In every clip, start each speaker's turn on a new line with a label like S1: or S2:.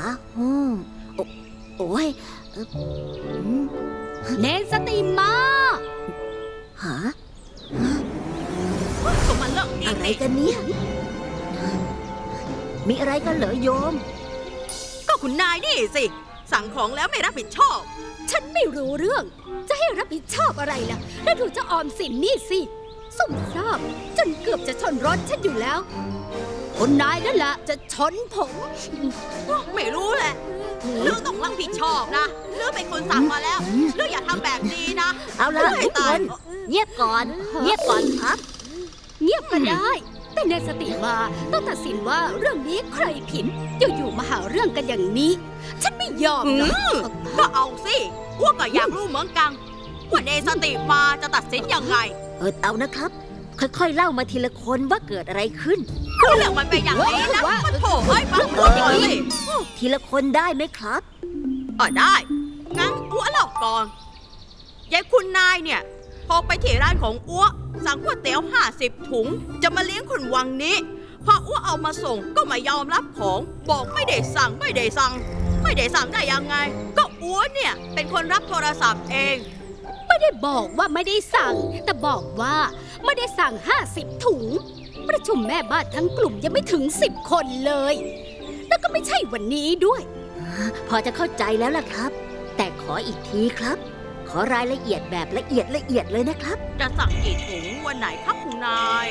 S1: อืมโอ้ย
S2: เนสติมา
S1: หา
S3: ก็มันเลิกดี
S1: อะไร
S3: นี่
S1: กันเนี่ยมีอะไรกันเหรอโยม
S3: ก็คุณนายนี่สิ สั่งของแล้วไม่รับผิดชอบ
S2: ฉันไม่รู้เรื่อง จะให้รับผิดชอบอะไรล่ะ แล้วดูเจ้าออมสินนี่สิซุ่มซ่ามจนเกือบจะชนรถฉันอยู่แล้ว คนนายนั่นแหละจะชนผม
S3: ไม่รู้แหละเรื่องต้องรับผิดชอบนะเรื่องเป็นคนสั่งมาแล้วเรื่องอย่าทำแบบนี้นะ
S1: เอาละทุกคนเงียบก่อนเงียบก่อนครับ
S2: เงียบก็ได้ แต่เนสติมาต้องตัดสินว่าเรื่องนี้ใครผิดอยู่ๆมาหาเรื่องกันอย่างนี้ ฉันไม่ยอมหรอก
S3: ก็เอาสิอ้วกก็อยากรู้เหมือนกันว่าเนสติมาจะตัดสินยังไง
S1: เอานะครับ ค่อยๆเล่ามาทีละคนว่าเกิดอะไรขึ้น
S3: คือเรื่องมันเป็นอย่างนี้นะมันโถเอ้ยฟังพูดก่อนสิ
S1: ทีละคนได้ไหมครับ
S3: ได้งั้นอ้วเล่าก่อนยายคุณนายเนี่ยพอไปที่ร้านของอ้วสั่งก๋วยเตี๋ยว50 ถุงจะมาเลี้ยงคนวังนี้พออ้วเอามาส่งก็ไม่ยอมรับของบอกไม่ได้สั่งได้ยังไง ก็อ้วเนี่ยเป็นคนรับโทรศัพท์เอง
S2: ไม่ได้บอกว่าไม่ได้สั่ง แต่บอกว่าไม่ได้สั่ง50 ถุง ประชุมแม่บ้านทั้งกลุ่มยังไม่ถึง10 คนเลย แล้วก็ไม่ใช่วันนี้ด้วย
S1: พอจะเข้าใจแล้วล่ะครับ แต่ขออีกทีครับ ขอรายละเอียดแบบละเอียดเลยนะครับ
S3: จะสั่งกี่ถุงวันไหนครับคุณนาย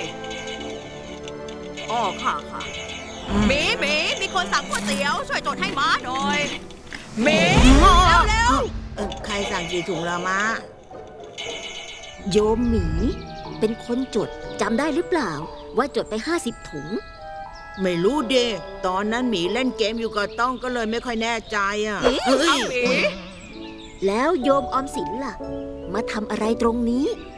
S3: ค่ะมีคนสั่งก๋วยเตี๋ยวช่วยจดให้ม้าหน่อยเร็ว
S4: ใครสั่งกี่ถุงละมะ
S1: โยมหมีเป็นคนจดจำได้หรือเปล่า ว่าจดไป50 ถุง
S4: ไม่รู้เดตอนนั้นหมีเล่นเกมอยู่กับต้องก็เลยไม่ค่อยแน่ใจอ่ะ
S3: เอาหมี
S1: แล้วโยมออมสินล่ะ มาทำอะไรตรงนี้